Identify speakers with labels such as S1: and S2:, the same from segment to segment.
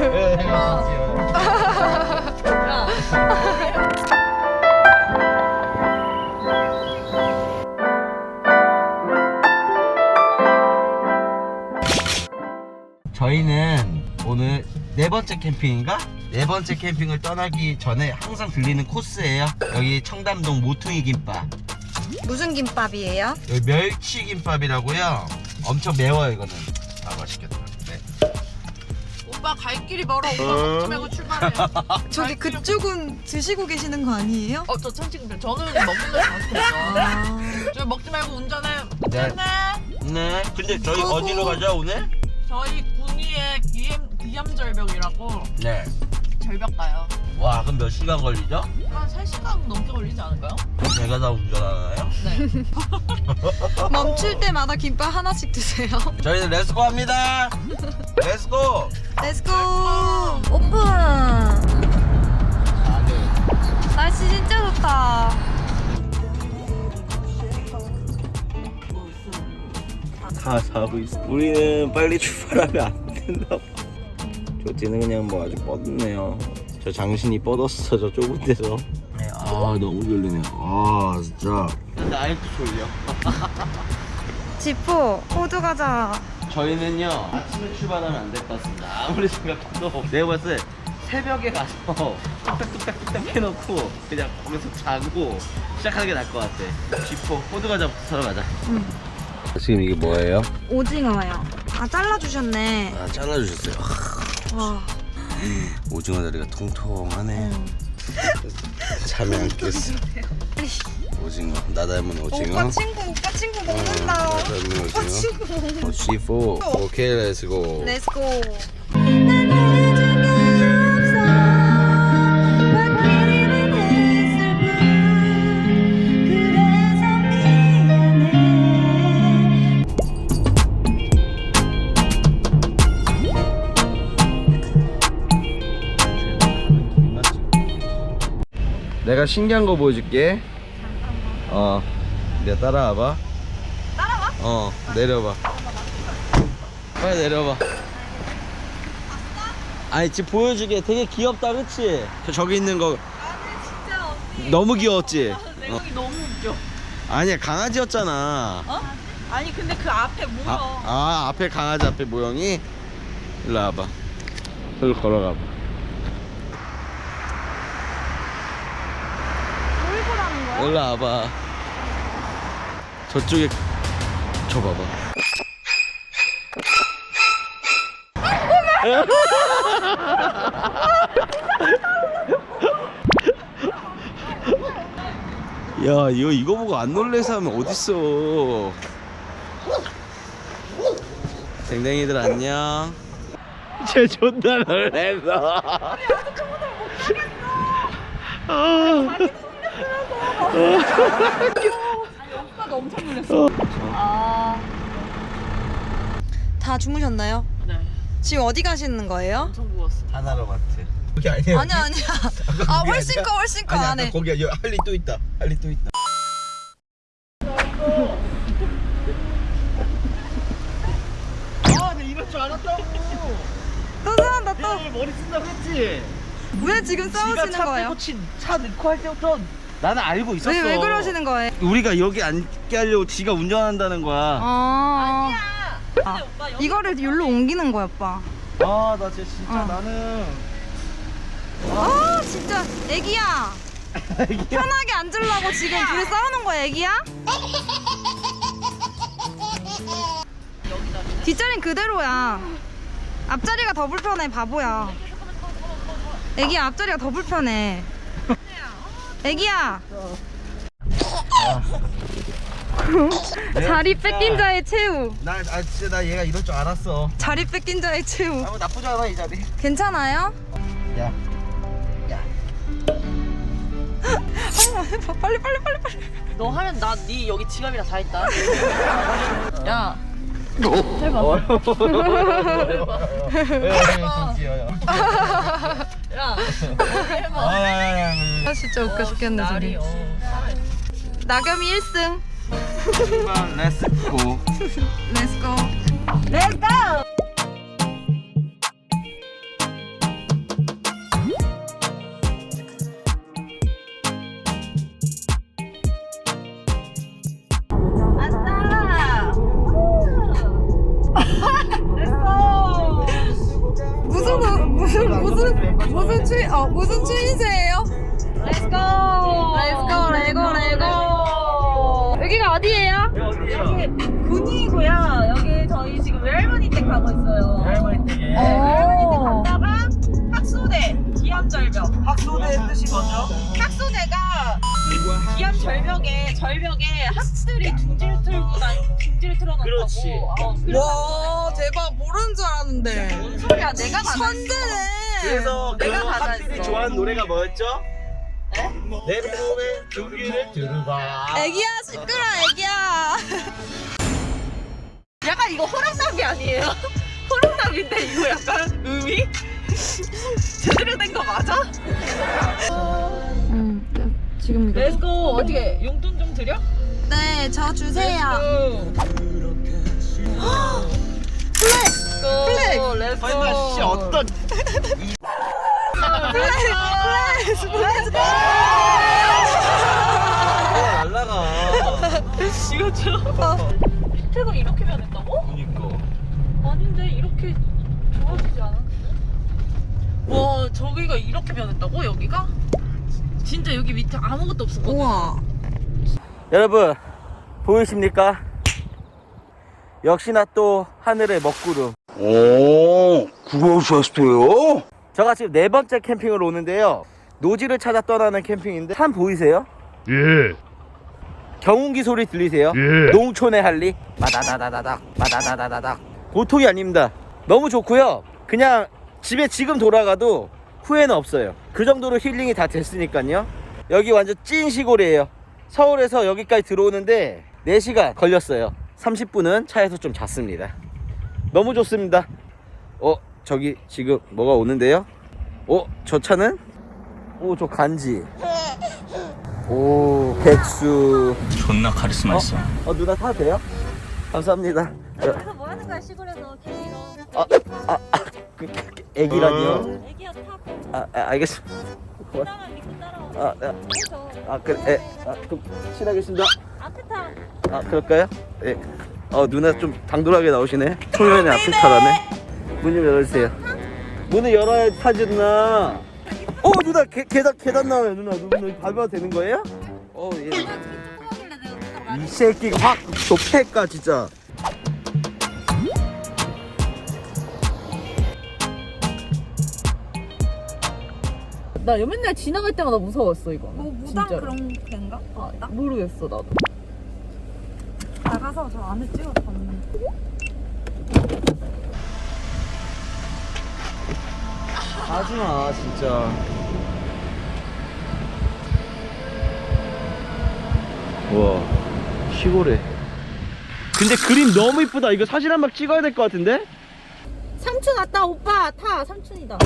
S1: 저희는 오늘 네 번째 캠핑인가? 네 번째 캠핑을 떠나기 전에 항상 들리는 코스예요. 여기 청담동 모퉁이 김밥.
S2: 무슨 김밥이에요?
S1: 여기 멸치 김밥이라고요. 엄청 매워요 이거는. 아 맛있겠다. 네.
S3: 오빠 갈 길이 멀어. 오빠 먹지 말고 출발해.
S2: 저기 그쪽은 드시고 계시는 거 아니에요?
S3: 저 천칭들 저는 먹는 걸 잘못했어. 저 먹지 말고 운전해.
S1: 네. 네. 근데 저희 어디로 가죠 오늘?
S3: 저희 군위의 기암절벽이라고
S1: 네.
S3: 절벽 가요.
S1: 와 그럼 몇 시간 걸리죠?
S3: 한 3시간 넘게 걸리지 않을까요?
S1: 그럼 제가 다 운전하나요?
S3: 네.
S2: 멈출 때마다 김밥 하나씩 드세요.
S1: 저희는 렛츠고 합니다. 렛츠고.
S2: 렛츠고! 오픈! 날씨 진짜 좋다.
S1: 다 자고 있어. 우리는 빨리 출발하면 안 된다 봐. 조티는 그냥 뭐 아주 뻗네요. 저 장신이 뻗었어 저 좁은 데서. 아 너무 졸리네요. 아 진짜. 근데 아직도 졸려.
S2: 지포, 호두 가자.
S1: 저희는요 아침에 출발하면 안 될 것 같습니다. 아무리 생각해도 내가 봤을 때 새벽에 가서 뚝딱뚝딱 해놓고 그냥 거기서 자고 시작하는 게 나을 것 같아. 쥐포 호두과자부터 사러 가자. 지금 이게 뭐예요?
S2: 오징어요. 아, 잘라주셨네.
S1: 아 잘라주셨어요.
S2: 와.
S1: 오징어 다리가 통통하네. 잠이 안 깼어. 오징어 나 닮은 오징어.
S2: 오빠 친구 먹는다.
S1: 나 닮은
S2: 오빠
S1: 오징어.
S2: 친구.
S1: C4 오케이 렛츠고.
S2: 렛츠고.
S1: 내가 신기한 거 보여줄게. 내가 따라와봐. 따라와? 내려봐. 빨리 내려봐. 아니 지금 보여주게. 되게 귀엽다 그치? 저기 있는 거 너무 귀여웠지?
S3: 내용이 너무 웃겨.
S1: 아니야 강아지였잖아.
S3: 어? 아니 근데 그 앞에 모여.
S1: 앞에 강아지 앞에 모형이. 일로 와봐. 여기 걸어가봐.
S2: 뭘 보라는 거야?
S1: 일로 와봐. 저쪽에 저 봐봐. 야 이거 보고 안 놀래서 하면 어딨어. 댕댕이들 안녕. 쟤 존나 놀랬어.
S3: 오빠도 엄청 놀랐어.
S2: 다 주무셨나요?
S3: 네.
S2: 지금 어디 가시는 거예요?
S3: 엄청 부었어.
S1: 하나로 마트. 거기 아니야.
S2: 아니야. 아, 훨씬 커 안에.
S1: 거기 할리 또 있다. 할리 또 있다. 아, 내가 이럴 줄 알았다고.
S2: 또 싸운다 또.
S1: 내가 머리 쓴다고 했지.
S2: 왜 지금 싸우시는 거예요?
S1: 차 넣고 할 때부터 나는 알고 있었어.
S2: 왜 그러시는 거예요?
S1: 우리가 여기 앉게 하려고 지가 운전한다는 거야.
S2: 아니야.
S3: 근데 오빠 여기
S2: 이거를 여기로 옮기는 거야, 오빠.
S1: 아, 나 진짜 나는.
S2: 아, 진짜 애기야. 편하게 앉으려고 지금 둘이 싸우는 거야, 애기야? 뒷자리는 그대로야. 앞자리가 더 불편해, 바보야. 애기야, 앞자리가 더 불편해. 애기야. 자리 뺏긴 자의 최후.
S1: 진짜 나 얘가 이럴 줄 알았어.
S2: 자리 뺏긴 자의 최후.
S1: 뭐 나쁘지 않아 이 자리.
S2: 괜찮아요?
S1: 야.
S2: 빨리.
S3: 너 하면 나 네 여기 지갑이랑 다 있다. 야. 야.
S2: 아, 진짜 웃겨 죽겠네, 저기. 나겸이 1승.
S1: 렛츠고.
S2: 렛츠고. 렛츠고. 무슨 추인세예요? Let's go. Let's go. 레고 레고. 여기가 어디예요?
S1: 어디요?
S3: 군이고요. 여기 저희 지금 외할머니 댁 가고 있어요.
S1: 할머니 댁에.
S2: 오.
S3: 갔다가 학소대 기암절벽.
S1: 학소대의 뜻이 뭐죠?
S3: 학소대가 기암절벽에 학들이 둥지를 틀어놓고.
S1: 그렇지.
S2: 와 대박 모르는 줄 알았는데.
S3: 뭔 소리야? 내가 다
S2: 천재네.
S1: 그래서 그
S3: 내가 가사
S1: 학들이
S3: 있어.
S1: 좋아하는 노래가 뭐였죠? 내 몸에 종기를 들어봐.
S2: 애기야 시끄러 애기야.
S3: 약간 이거 호랑나비 아니에요? 호랑나비인데 이거 약간 음이 제대로 된 거 맞아?
S2: 지금 이거.
S3: 렛츠고. 어떻게 용돈 좀 드려?
S2: 네, 저 주세요.
S3: 플렉스. 렛츠고.
S1: 설마 씨 어떤
S2: 플렉스.
S1: 날라가.
S3: 이거 줘. 밑에가 이렇게 변했다고?
S1: 그니까.
S3: 아닌데 이렇게 좋아지지 않았는데? 와 저기가 이렇게 변했다고? 여기가? 진짜 여기 밑에 아무것도 없었거든.
S2: 우와.
S1: 여러분 보이십니까? 역시나 또 하늘의 먹구름.
S4: 오, 그러셨어요?
S1: 제가 지금 4번째 캠핑을 오는데요. 노지를 찾아 떠나는 캠핑인데 산 보이세요?
S4: 예,
S1: 경운기 소리 들리세요?
S4: 예.
S1: 농촌의 할리 마다다다다닥 마다다다다닥 보통이 아닙니다. 너무 좋고요. 그냥 집에 지금 돌아가도 후회는 없어요. 그 정도로 힐링이 다 됐으니까요. 여기 완전 찐 시골이에요. 서울에서 여기까지 들어오는데 4시간 걸렸어요. 30분은 차에서 좀 잤습니다. 너무 좋습니다. 저기 지금 뭐가 오는데요? 저 차는? 저 간지. 백수.
S4: 존나 카리스마 있어.
S1: 누나 타도 돼요? 감사합니다.
S5: 여기서 뭐 하는 거야 시골에서 개미로
S1: 애기라니요?
S5: 애기야 타고
S1: 알겠습니다.
S5: 나만 믿고 따라와 그래서
S1: 그래. 그럼 실하겠습니다.
S5: 앞에 타
S1: 그럴까요? 예. 누나 좀 당돌하게 나오시네. 초면에 앞에 타라네. 문 좀 열어주세요. 문을 열어야 타지 누나. 누나 계단 나와요 누나. 누나 밟아도 되는 거예요? 예.
S5: 하길래 내가 누가
S1: 이 새끼가 확 좁혀까 진짜.
S3: 나 맨날 지나갈 때마다 무서웠어 이거.
S2: 뭐 무당
S3: 진짜로.
S2: 그런 데인가?
S3: 모르겠어 나도.
S2: 나가서 저 안에 찍어서 봤는데.
S1: 하지마 진짜. 와 시골에. 근데 그림 너무 이쁘다. 이거 사진 한 방 찍어야 될 것 같은데?
S3: 삼촌 왔다 오빠 타. 삼촌이다.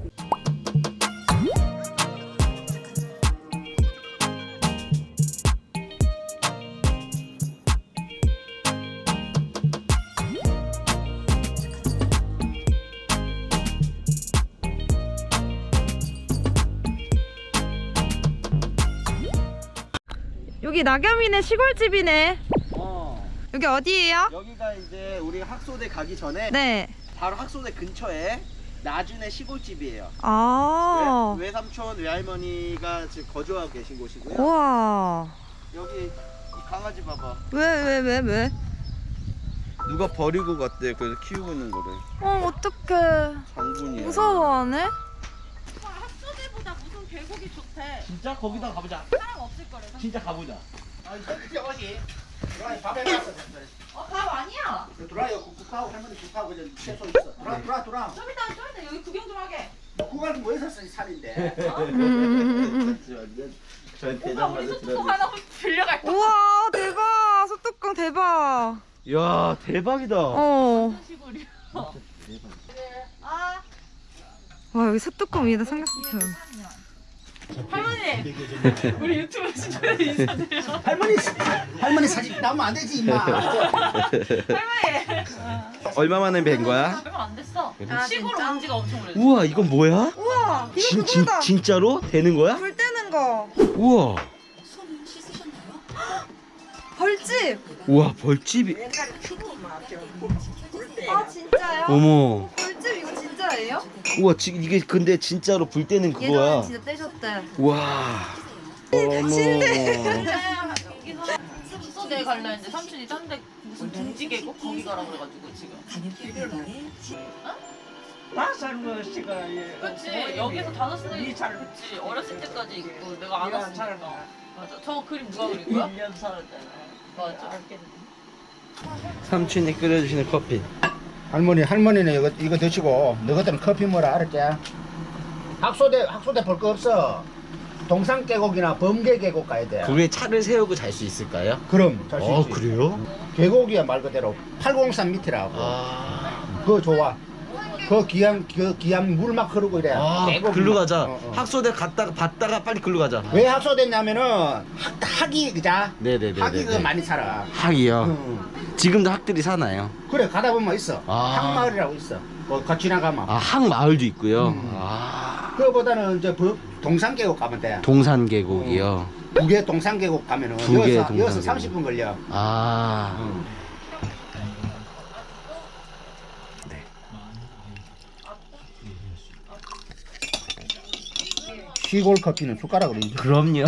S2: 여기 낙엽이네 시골집이네. 여기 어디예요?
S1: 여기가 이제 우리가 학소대 가기 전에
S2: 네.
S1: 바로 학소대 근처에 나준의 시골집이에요.
S2: 아.
S1: 외삼촌 외할머니가 지금 거주하고 계신 곳이고요.
S2: 우와.
S1: 여기 이 강아지 봐봐.
S2: 왜?
S1: 누가 버리고 갔대. 그래서 키우고 있는 거를.
S2: 어떡해.
S1: 장군이야.
S2: 무서워하네.
S3: 학소대보다 무슨 계곡이 좋대.
S1: 진짜 거기다 가보자.
S3: 사람 없을 거래.
S1: 진짜 가보자.
S3: 밥 아니야.
S6: 들어와요. 국하고 할머니 국하고 그냥 채소 있어. 들어와.
S3: 좀 이따 여기 구경 좀 하게.
S6: 국하고 모여서 쓴 산인데.
S1: 저희
S3: 오빠
S1: 대장
S3: 우리
S1: 받을
S3: 소뚜껑 하나 빌려갈까?
S2: 우와 대박. 소뚜껑 대박.
S1: 야 대박이다.
S3: 시골이야.
S2: 와 여기 소뚜껑 위에다 삼겹살.
S3: 할머니 우리 유튜브 시청자 인사드려.
S6: 할머니 사진 나오면 안 되지 임마.
S3: 할머니
S1: 얼마 만에 뵌 거야?
S3: 얼마 안 됐어.
S2: 아,
S3: 시골
S2: 진짜?
S3: 온 지가 엄청 오래됐어.
S1: 우와 이건 뭐야?
S2: 우와 이거 그거다.
S1: 진짜로? 되는 거야?
S2: 불 때는 거.
S1: 우와.
S2: 벌집.
S1: 우와 벌집이.
S2: 아 진짜요?
S1: 어머.
S2: 벌집 이거 진짜예요? 진짜예요?
S1: 우와 지금 이게 근데 진짜로 불 때는 그거야.
S2: 예전에 진짜 떼셨대.
S1: 와.
S3: 숙소대 갈라 했는데 삼촌이 딴 데 무슨 둥지 계곡 거기 가라 그래가지고 지금.
S6: 다산 시가
S3: 그렇지. 여기서 5시간
S6: 잘
S3: 그치. 어렸을 때까지 있고 내가 안
S6: 잘
S3: 왔으니까.
S6: 나.
S3: 맞아. 저 그림 누가 그린 거야?
S6: 1년 살았잖아.
S3: 맞아.
S1: 삼촌이 끓여주시는 커피.
S6: 할머니는 이거 드시고 너희들은 커피 뭐라 알았지? 학소대 볼 거 없어. 동산 계곡이나 범계 계곡 가야 돼.
S1: 그게 차를 세우고 잘 수 있을까요?
S6: 그럼 잘 수 있지.
S1: 그래요?
S6: 계곡이야 말 그대로 803 밑이라고.
S1: 아.
S6: 그거 좋아. 그 기암 물 막 흐르고 이래. 계곡
S1: 글로
S6: 막.
S1: 가자.
S6: 어, 어.
S1: 학소대 갔다가 봤다가 빨리 글로 가자.
S6: 왜 학소됐냐면은 학이 그자.
S1: 네네네.
S6: 학이 그 많이 살아.
S1: 학이요.
S6: 응.
S1: 지금도 학들이 사나요?
S6: 그래 가다 보면 있어.
S1: 아.
S6: 학마을이라고 있어. 거 지나가면.
S1: 아, 학 마을도 있고요.
S6: 음.
S1: 아.
S6: 그거보다는 이제 동산 계곡 가면 돼.
S1: 동산 계곡이요.
S6: 부계 동산 계곡 가면은
S1: 부계
S6: 여기서
S1: 동산
S6: 30분 걸려.
S1: 아.
S6: 시골 커피는 숟가락으로 인정.
S1: 그럼요.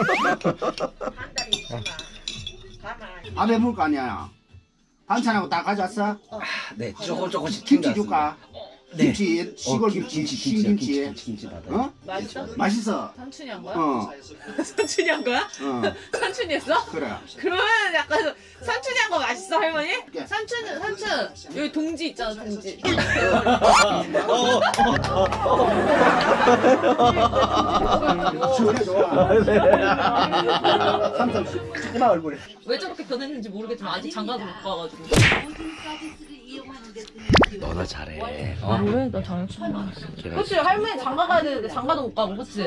S6: 아베 물거 아니야. 반찬하고 다 가져왔어?
S1: 네, 조금씩
S6: 김치 줄까?
S1: 네.
S6: 김치, 시골 김치, 신김치.
S1: 김치 받아요.
S6: 어?
S3: 맛있어?
S6: 맛있어.
S3: 삼촌이 한 거야?
S6: 어,
S3: 삼촌이 한 거야?
S6: 어,
S3: 삼촌이 했어?
S6: 그래.
S3: 그러면 약간 삼촌이 한 거 맛있어 할머니?
S6: 예.
S3: 삼촌 여기 동지 있잖아 동지.
S6: 시원해 좋아. 삼성 이마 얼굴에.
S3: 왜 저렇게 변했는지 모르겠지만 아직 장가도 못 가가지고.
S1: 너나 잘해.
S3: 왜? 나 장가. 그치 할머니 장가 가야 되는데 장가도 못 가고 그치?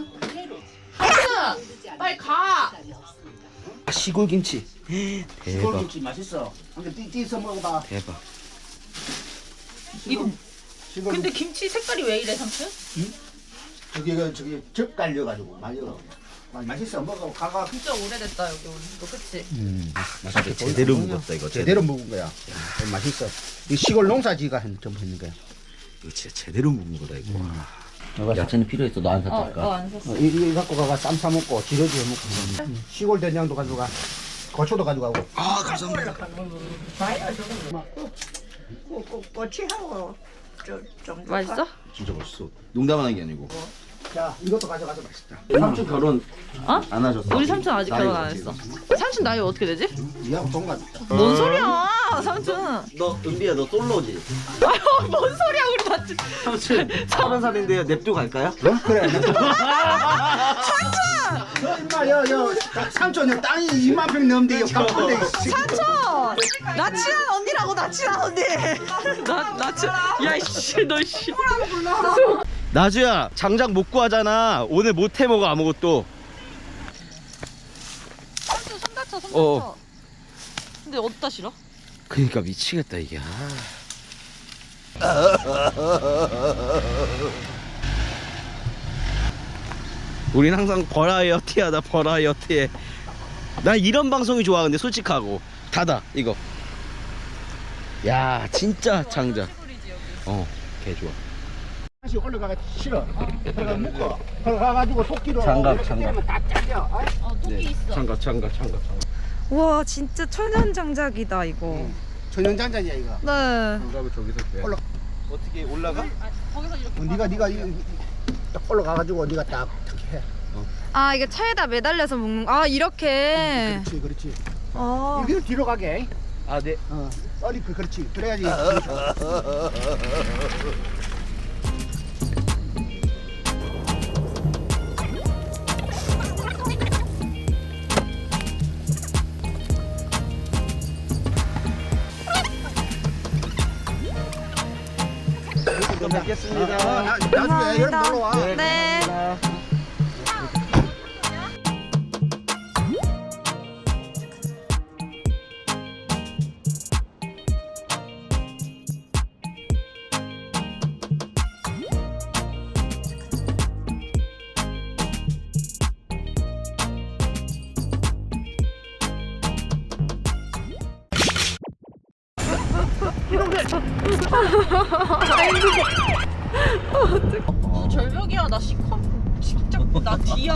S3: 삼촌 빨리 가.
S1: 시골 김치.
S6: 시골
S1: 대박.
S6: 김치 맛있어. 한개 띠띠서 먹어봐.
S1: 대박.
S3: 이거
S6: 시골
S3: 근데 김치 색깔이 왜 이래 삼촌?
S6: 저기 적 깔려가지고 말려. 맛있어 먹어. 가가.
S3: 진짜 오래됐다 여기 오는 거 그치?
S1: 진짜 제대로 묵었다 이거.
S6: 제대로 먹은 거야. 맛있어. 이 시골 농사지가 좀 했는 거야.
S1: 이거 진짜 제대로 묵은 거다 이거. 야채는 필요했어. 너 안 샀을까?
S3: 안 샀어.
S6: 이거 갖고 가가 쌈 사 먹고 지려지 해 먹고. 시골 된장도 가져가. 고추도 가져가고.
S1: 아 감사합니다.
S2: 꼬치하고 좀 맛있어?
S1: 진짜 맛있어. 농담하는 게 아니고.
S6: 자, 이것도 가져가서 맛있다.
S1: 삼촌 결혼
S3: 어?
S1: 안 하셨어?
S3: 우리 삼촌 아직 결혼 안
S1: 나이가
S3: 했어. 삼촌 나이 어떻게 되지?
S6: 니하고 동갑.
S3: 뭔 소리야 삼촌.
S1: 너 은비야 너 솔로지?
S3: 아유 뭔 소리야 우리 같이.
S1: 삼촌 30살인데요. 냅두 갈까요?
S6: 어? 그래. 너 임마 여 삼촌 땅이 2만 평 넘는데 여 깜빡대.
S2: 삼촌! 나 친한 언니라고 나 친한 언니.
S3: 나 진짜 야이씨 너 씨.
S1: 나주야 장작 못 구하잖아. 오늘 못 해먹어 아무것도.
S3: 삼촌 손 다쳐 손 다쳐.
S1: 어.
S3: 근데 어디다 실어?
S1: 그니까 미치겠다 이게. 우린 항상 버라이어티 하다 버라이어티해. 난 이런 방송이 좋아. 근데 솔직하고 닫아 이거. 야 진짜 장작. 개 좋아.
S6: 다시 올라가가 싫어. 그래가 묶어. 그래가지고 토끼로.
S1: 장갑,
S6: 이렇게
S1: 장갑.
S6: 때리면 다 잘려. 아이,
S3: 토끼 있어.
S1: 장갑.
S2: 와 진짜 천연 장작이다 이거.
S6: 천연장자냐 이거.
S2: 네.
S1: 장갑을 저기서 빼.
S6: 올라.
S1: 어떻게 올라가?
S3: 거기서 이렇게.
S6: 네가 딱 올라가가지고 네가 딱 해.
S2: 아 이게 차에다 매달려서 먹는 거. 아 이렇게.
S6: 그렇지.
S2: 아.
S6: 이거 뒤로 가게.
S1: 아 네.
S6: 빨리 그렇지. 그래야지.
S1: 또 뵙겠습니다.
S6: 나중에 여름 놀러 와.
S2: 네.
S3: 절벽이야. 나 시커. 진짜 나 뒤야.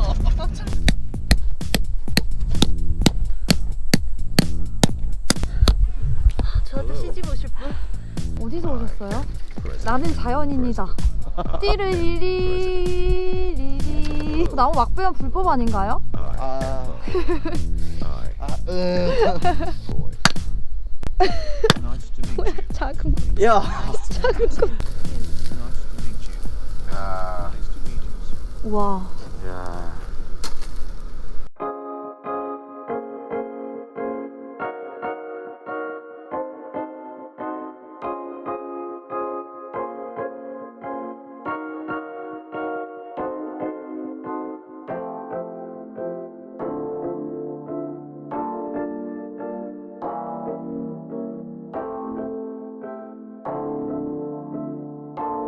S2: 저한테 시집 오실 분? 어디서 오셨어요? 나는 자연인이다. 띠르리리리리. 나무 막 빼면 불법 아닌가요? 작은 거.
S1: 야.
S2: 우와.